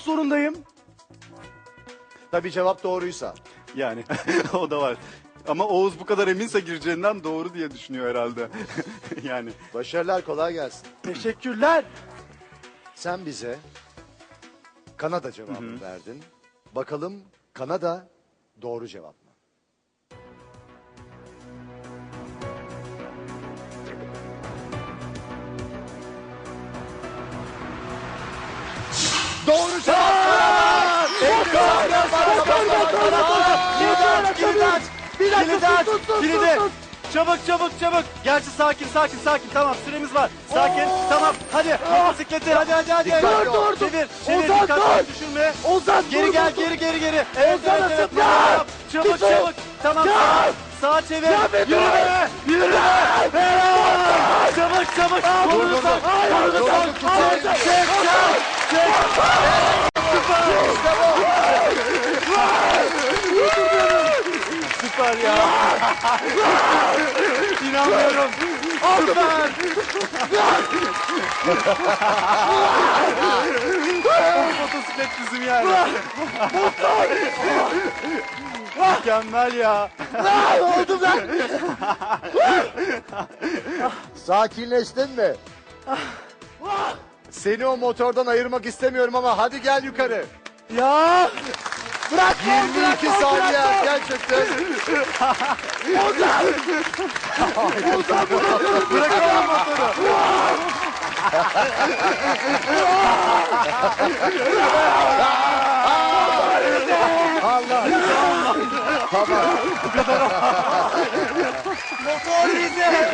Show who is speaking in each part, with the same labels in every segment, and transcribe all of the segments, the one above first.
Speaker 1: zorundayım.
Speaker 2: Tabii cevap doğruysa.
Speaker 3: Yani o da var. Ama Oğuz bu kadar eminse gireceğinden doğru diye düşünüyor herhalde. Yani.
Speaker 2: Başarılar, kolay gelsin.
Speaker 1: Teşekkürler.
Speaker 2: Sen bize Kanada cevabını verdin. Bakalım Kanada doğru cevap mı? Doğru cevap!
Speaker 3: Kilidi. Çabuk. Gerçi sakin. Tamam, süremiz var. Sakin. Tamam. Hadi. Motosikleti. Hadi.
Speaker 1: Dur.
Speaker 3: Çevir.
Speaker 1: Ozan,
Speaker 3: Dikkat
Speaker 1: dur.
Speaker 3: düşürme.
Speaker 1: Ozan,
Speaker 3: Geri
Speaker 1: dur,
Speaker 3: gel.
Speaker 1: dur.
Speaker 3: Geri. Evet.
Speaker 1: Ozan, zıpla.
Speaker 3: Çabuk. Tamam. Sağa çevir. Yürü be. Çabuk. Vurursan. Süper ya. İnanmıyorum. Süper. Motosiklet bizim yani. Mükemmel ya.
Speaker 1: Oldum lan.
Speaker 2: Sakinleştin mi? Seni o motordan ayırmak istemiyorum ama hadi gel yukarı.
Speaker 1: Ya. Bırak.
Speaker 2: 22 saniye gerçekten.
Speaker 3: Bırakalım motoru.
Speaker 2: Allah. Tamam.
Speaker 1: Motor bize.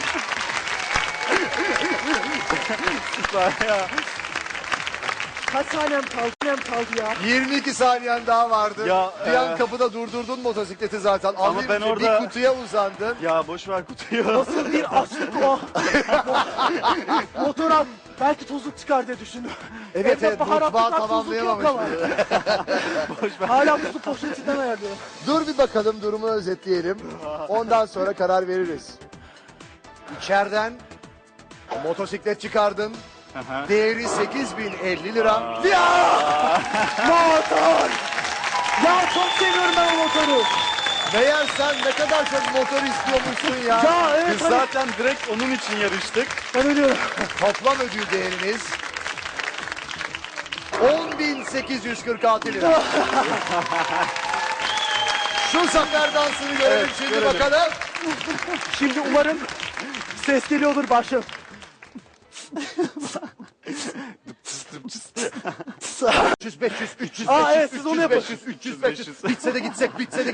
Speaker 3: Süper ya.
Speaker 1: Kaç saniyem kaldı ya?
Speaker 2: 22 saniyen daha vardı.
Speaker 3: Ya,
Speaker 2: bir an kapıda durdurdun motosikleti zaten. Alayım
Speaker 3: ben
Speaker 2: diye
Speaker 3: orada-
Speaker 2: bir kutuya uzandın.
Speaker 3: Ya boş ver kutuyu.
Speaker 1: Nasıl bir açlık o. Motora belki tozluk çıkar diye düşündüm.
Speaker 2: Evet,
Speaker 1: Evde baharatlıklar,
Speaker 2: mutfağı
Speaker 1: tuzluk yok
Speaker 2: tamamlayamamış.
Speaker 1: ama. Hala su poşetinden ayarlıyorum.
Speaker 2: Dur bir bakalım, durumu özetleyelim. Ondan sonra karar veririz. İçeriden motosiklet çıkardın.
Speaker 3: Aha.
Speaker 2: Değeri 8.050 lira.
Speaker 1: Motor! Ya çok seviyorum ben o motoru.
Speaker 2: Meğer sen ne kadar çok motor istiyormuşsun ya.
Speaker 1: Ya evet
Speaker 3: Biz
Speaker 1: hani
Speaker 3: zaten direkt onun için yarıştık.
Speaker 1: ben ölüyorum.
Speaker 2: Toplam ödül değeriniz 10.846 lira. Şu zafer dansını görelim
Speaker 3: Evet,
Speaker 2: şimdi
Speaker 3: görelim.
Speaker 2: bakalım.
Speaker 1: Şimdi umarım ses geliyordur başım.
Speaker 2: 300, 500, 300,
Speaker 1: Aa,
Speaker 2: 500,
Speaker 1: evet, siz onu yapın.
Speaker 2: 500, 300, 500. Bitse de gitsek.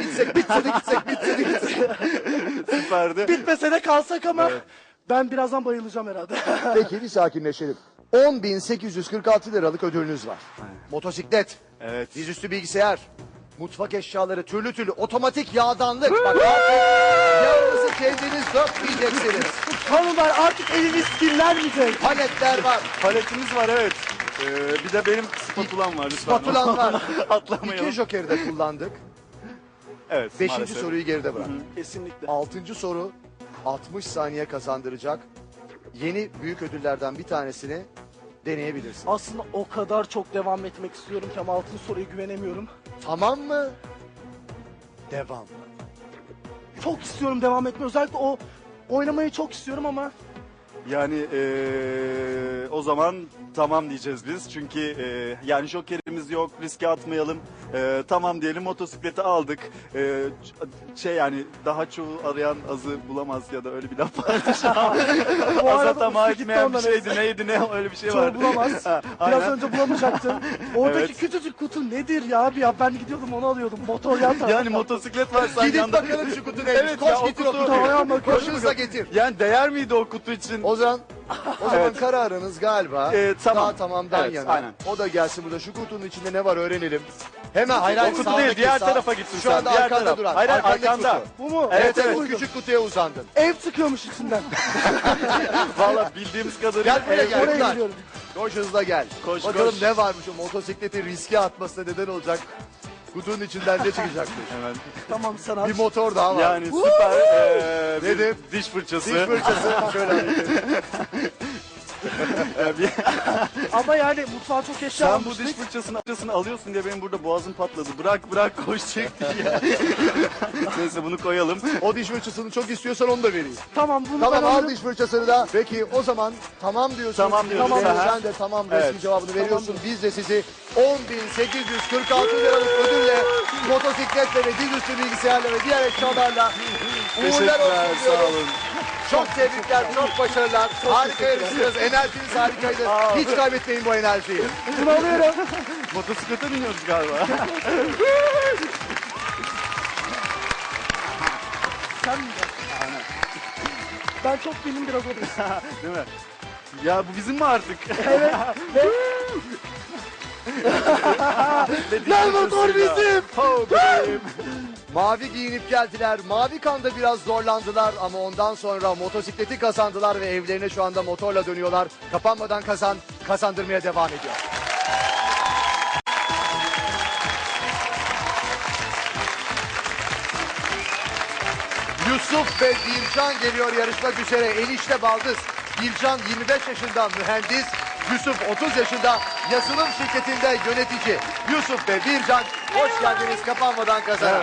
Speaker 3: Süperdi.
Speaker 1: Bitmese de kalsak ama ben birazdan bayılacağım herhalde.
Speaker 2: Peki bir sakinleşelim. 10.846 liralık ödülünüz var. Motosiklet,
Speaker 3: Evet.
Speaker 2: dizüstü bilgisayar, mutfak eşyaları, türlü otomatik yağdanlık. Bak artık yağınızı kendiniz dökmeyeceksiniz.
Speaker 1: Hanımlar artık eliniz kirlenmeyecek.
Speaker 2: Paletler var,
Speaker 3: Paletimiz var, evet. Bir de benim spatulam var lütfen.
Speaker 2: spatulan var.
Speaker 3: Atlamayalım.
Speaker 2: 2 jokeri de kullandık.
Speaker 3: Evet,
Speaker 2: 5.
Speaker 3: maalesef.
Speaker 2: soruyu geride bırak.
Speaker 1: Kesinlikle.
Speaker 2: 6. soru 60 saniye kazandıracak. Yeni büyük ödüllerden bir tanesini deneyebilirsin.
Speaker 1: Aslında o kadar çok devam etmek istiyorum ki ama altın soruya güvenemiyorum.
Speaker 2: Tamam mı? Devam mı?
Speaker 1: Çok istiyorum devam etmeyi. Özellikle o oynamayı çok istiyorum ama
Speaker 3: Yani o zaman tamam diyeceğiz biz. Çünkü yani jokerimiz yok, riske atmayalım. Tamam diyelim, motosikleti aldık. Yani daha çoğu arayan azı bulamaz ya da öyle bir laf vardı.
Speaker 1: bu
Speaker 3: Aza
Speaker 1: arada
Speaker 3: tamam
Speaker 1: gitti
Speaker 3: etmeyen bir
Speaker 1: ondan
Speaker 3: şeydi, neydi ne öyle bir şey
Speaker 1: çoğu
Speaker 3: vardı.
Speaker 1: bulamaz.
Speaker 3: Ha,
Speaker 1: Biraz
Speaker 3: aynen.
Speaker 1: önce bulamayacaktım. Oradaki
Speaker 3: Evet.
Speaker 1: küçücük kutu nedir ya abi ya? Ben gidiyordum onu alıyordum. Motor yan tarafta.
Speaker 3: Yani motosiklet var sen
Speaker 2: Gidip
Speaker 3: yanda.
Speaker 2: bakalım şu kutu neymiş.
Speaker 3: Evet
Speaker 2: Koş
Speaker 3: ya, o
Speaker 2: getir o
Speaker 3: kutu-
Speaker 2: kutuyu.
Speaker 1: Tamam, bakıyorum.
Speaker 2: Koş hızla getir.
Speaker 3: Yani değer miydi o kutu için?
Speaker 2: O zaman kararınız galiba
Speaker 3: tamam.
Speaker 2: daha tamamdan
Speaker 3: Evet,
Speaker 2: yana.
Speaker 3: aynen.
Speaker 2: O da gelsin burada. Şu kutunun içinde ne var öğrenelim. Hemen hayır
Speaker 3: O kutu değil, diğer tarafa gitsin
Speaker 2: Şu
Speaker 3: sen,
Speaker 2: anda
Speaker 3: diğer
Speaker 2: arkanda
Speaker 3: taraf.
Speaker 2: duran.
Speaker 3: Hayır,
Speaker 2: arkandaki
Speaker 3: arkanda.
Speaker 2: kutu.
Speaker 1: Bu mu?
Speaker 3: Evet, evet.
Speaker 2: O
Speaker 1: buydu.
Speaker 2: küçük kutuya uzandın.
Speaker 1: Ev çıkıyormuş içinden.
Speaker 3: Valla bildiğimiz kadarıyla.
Speaker 2: Gel buraya gel.
Speaker 1: Oraya
Speaker 2: Bunlar.
Speaker 1: gidiyorum.
Speaker 2: Koş hızla gel.
Speaker 3: Koş,
Speaker 2: Bakalım
Speaker 3: koş.
Speaker 2: ne varmış o motosikleti riske atmasına neden olacak. Kutunun içinden ne çıkacakmış.
Speaker 3: Hemen.
Speaker 1: Tamam sen al.
Speaker 2: Bir motor daha var.
Speaker 3: Yani süper.
Speaker 2: Nedir?
Speaker 3: Diş fırçası.
Speaker 2: Diş fırçası. Şöyle.
Speaker 3: Ya bir-
Speaker 1: Ama yani mutfağa çok eşya
Speaker 3: Sen bu
Speaker 1: almıştık.
Speaker 3: diş fırçasını alıyorsun diye benim burada boğazım patladı. Bırak koş çek diye. Neyse bunu koyalım.
Speaker 2: O diş fırçasını çok istiyorsan onu da vereyim.
Speaker 1: Tamam bunu
Speaker 2: Tamam
Speaker 1: ben
Speaker 2: al
Speaker 1: alırım.
Speaker 2: diş fırçasını da. Peki o zaman tamam diyorsun.
Speaker 3: Tamam diyoruz.
Speaker 2: Tamam,
Speaker 3: Aha.
Speaker 2: sen de tamam resmi
Speaker 3: Evet.
Speaker 2: cevabını veriyorsun. Biz de sizi 10.846 liralık ödülle motosikletle ve dizüstü bilgisayarla ve diğer eşyalarla uğurlar
Speaker 3: Teşekkürler,
Speaker 2: olsun
Speaker 3: sağ
Speaker 2: diyorum.
Speaker 3: olun.
Speaker 2: Çok tebrikler, çok başarılar. Harika yarıştınız. Enerjiniz harikaydı. Hiç kaybetmeyin bu enerjiyi.
Speaker 1: Bunu alıyorum.
Speaker 3: Motosiklete biniyoruz galiba.
Speaker 1: Sen mi? Ben çok benim biraz orada.
Speaker 3: Değil mi? Ya bu bizim mi artık?
Speaker 2: Gel motor bizim.
Speaker 3: Ho bebeğim.
Speaker 2: Mavi giyinip geldiler. Mavi kanda biraz zorlandılar ama ondan sonra motosikleti kazandılar ve evlerine şu anda motorla dönüyorlar. Kapanmadan kazandırmaya devam ediyor. Yusuf ve Bircan geliyor yarışmak üzere. Enişte baldız. Bircan 25 yaşında mühendis. Yusuf 30 yaşında yazılım şirketinde yönetici. Yusuf ve Bircan hoş geldiniz kapanmadan kazanan.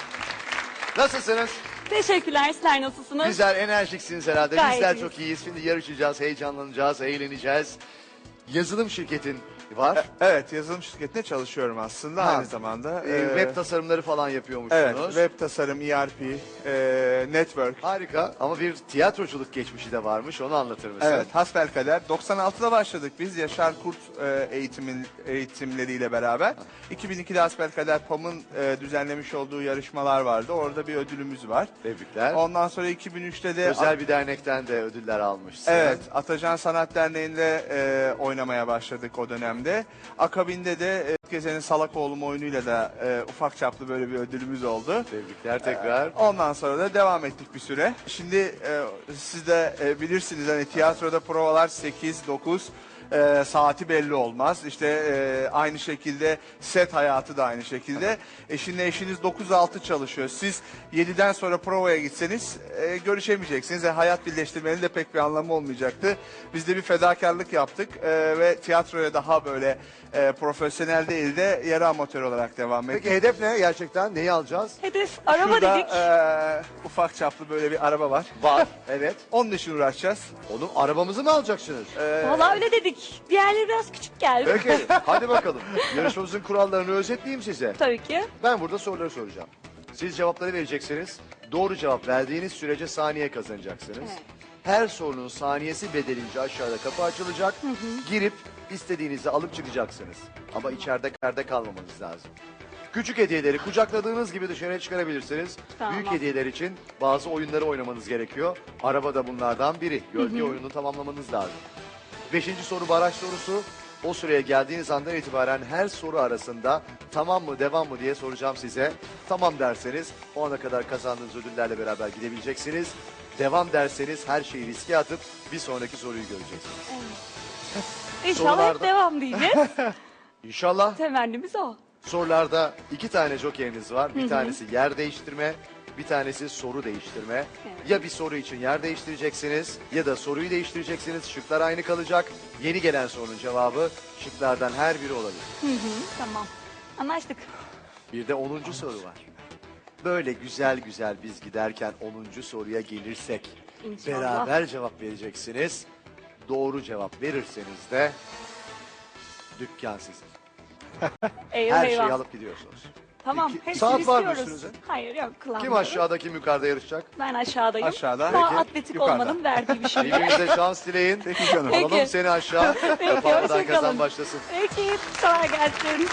Speaker 2: Nasılsınız?
Speaker 4: Teşekkürler. Sizler nasılsınız?
Speaker 2: Güzel, enerjiksiniz herhalde.
Speaker 4: Gayet
Speaker 2: Bizler
Speaker 4: iyiyiz.
Speaker 2: çok iyiyiz. Şimdi yarışacağız, heyecanlanacağız, eğleneceğiz. Yazılım şirketin var.
Speaker 5: Evet, yazılım şirketinde çalışıyorum aslında
Speaker 2: Ha.
Speaker 5: aynı zamanda.
Speaker 2: Web tasarımları falan yapıyormuşsunuz.
Speaker 5: Evet, web tasarım, ERP, network.
Speaker 2: Harika ama bir tiyatroculuk geçmişi de varmış. Onu anlatır mısın?
Speaker 5: Evet, hasbelkader. 96'da başladık biz Yaşar Kurt eğitimleriyle beraber. 2002'de hasbelkader PAM'ın düzenlemiş olduğu yarışmalar vardı. Orada bir ödülümüz var.
Speaker 2: Tebrikler.
Speaker 5: Ondan sonra 2003'te de
Speaker 2: Özel bir dernekten de ödüller almışsın.
Speaker 5: Evet, Atacan Sanat Derneği'nde oynamaya başladık o dönemde. Akabinde de Gezen'in Salakoğlu oyunuyla da ufak çaplı böyle bir ödülümüz oldu.
Speaker 2: Tebrikler tekrar.
Speaker 5: Ondan sonra da devam ettik bir süre. Şimdi siz de bilirsiniz hani tiyatroda provalar 8-9 saati belli olmaz. İşte aynı şekilde set hayatı da aynı şekilde. Şimdi eşiniz 9-6 çalışıyor. Siz 7'den sonra provaya gitseniz görüşemeyeceksiniz. Hayat birleştirmenin de pek bir anlamı olmayacaktı. Biz de bir fedakarlık yaptık ve tiyatroya daha böyle profesyonel değil de yarı amatör olarak devam ettik.
Speaker 2: Peki hedef ne gerçekten? Neyi alacağız?
Speaker 4: Hedef araba
Speaker 5: Şurada
Speaker 4: dedik.
Speaker 5: ufak çaplı böyle bir araba var.
Speaker 2: Var. Evet.
Speaker 5: Onun için uğraşacağız.
Speaker 2: Onu arabamızı mı alacaksınız?
Speaker 4: Vallahi öyle dedik. Diğerleri biraz küçük geldi.
Speaker 2: Peki hadi bakalım. Yarışmamızın kurallarını özetleyeyim size.
Speaker 4: Tabii ki.
Speaker 2: Ben burada soruları soracağım. Siz cevapları vereceksiniz. Doğru cevap verdiğiniz sürece saniye kazanacaksınız.
Speaker 4: Evet.
Speaker 2: Her sorunun saniyesi bedelince aşağıda kapı açılacak. Girip istediğinizi alıp çıkacaksınız. Ama içeride kalmamanız lazım. Küçük hediyeleri kucakladığınız gibi dışarıya çıkarabilirsiniz.
Speaker 4: Tamam.
Speaker 2: Büyük hediyeler için bazı oyunları oynamanız gerekiyor. Araba da bunlardan biri. Gölge oyununu tamamlamanız lazım. 5. soru baraj sorusu. O süreye geldiğiniz andan itibaren her soru arasında tamam mı devam mı diye soracağım size. Tamam derseniz o ana kadar kazandığınız ödüllerle beraber gidebileceksiniz. Devam derseniz her şeyi riske atıp bir sonraki soruyu göreceksiniz.
Speaker 4: İnşallah
Speaker 2: Sorularda-
Speaker 4: hep devam diyeceğiz.
Speaker 2: İnşallah
Speaker 4: Temennimiz o.
Speaker 2: sorularda 2 tane jokeriniz var. Bir tanesi yer değiştirme, bir tanesi soru değiştirme.
Speaker 4: Evet.
Speaker 2: Ya bir soru için yer değiştireceksiniz ya da soruyu değiştireceksiniz. Şıklar aynı kalacak. Yeni gelen sorunun cevabı şıklardan her biri olabilir.
Speaker 4: Tamam. Anlaştık.
Speaker 2: Bir de 10. soru var. Böyle güzel güzel biz giderken 10. soruya gelirsek
Speaker 4: İnşallah.
Speaker 2: beraber cevap vereceksiniz. Doğru cevap verirseniz de dükkan sizin.
Speaker 4: Eyvah
Speaker 2: Her
Speaker 4: eyvah.
Speaker 2: şeyi alıp gidiyorsunuz.
Speaker 4: Tamam.
Speaker 2: İki-
Speaker 4: Hepsini
Speaker 2: saat var mı
Speaker 4: istiyoruz.
Speaker 2: üstünüzde?
Speaker 4: Hayır yok.
Speaker 2: Kim
Speaker 4: kullanmıyorum.
Speaker 2: aşağıda kim yukarıda yarışacak?
Speaker 4: Ben aşağıdayım.
Speaker 5: Aşağıda.
Speaker 4: Daha
Speaker 2: Peki.
Speaker 4: atletik
Speaker 5: Yukarıda.
Speaker 4: olmanın verdiği bir şey.
Speaker 2: Birbirinize şans dileyin.
Speaker 5: Peki canım.
Speaker 4: Peki.
Speaker 2: Alalım seni aşağı. Kapanmadan
Speaker 4: hoşça
Speaker 2: kazan
Speaker 4: kalın.
Speaker 2: başlasın.
Speaker 4: Peki. Kolay gelsin.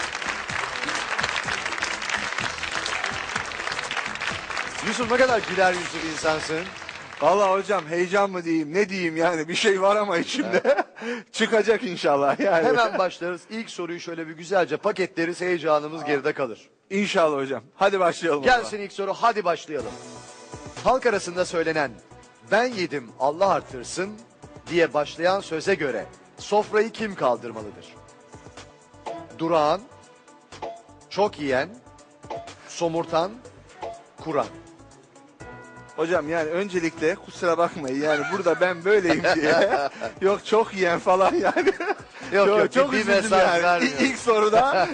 Speaker 2: Yusuf ne kadar güler yüzlü bir insansın.
Speaker 5: Vallahi hocam heyecan mı diyeyim ne diyeyim yani bir şey var ama içimde çıkacak inşallah yani.
Speaker 2: Hemen başlarız. İlk soruyu şöyle bir güzelce paketleriz. Heyecanımız geride kalır.
Speaker 5: İnşallah hocam. Hadi başlayalım. o zaman.
Speaker 2: Gelsin ilk soru, hadi başlayalım. Halk arasında söylenen ben yedim Allah arttırsın diye başlayan söze göre sofrayı kim kaldırmalıdır? Durağan, çok yiyen, somurtan, kuran.
Speaker 5: Hocam yani öncelikle kusura bakmayın yani burada ben böyleyim diye yok çok yiyen falan yani.
Speaker 2: Yok yok,
Speaker 5: çok
Speaker 2: ciddi
Speaker 5: üzüldüm
Speaker 2: mesaj
Speaker 5: yani.
Speaker 2: vermiyor.
Speaker 5: İlk soruda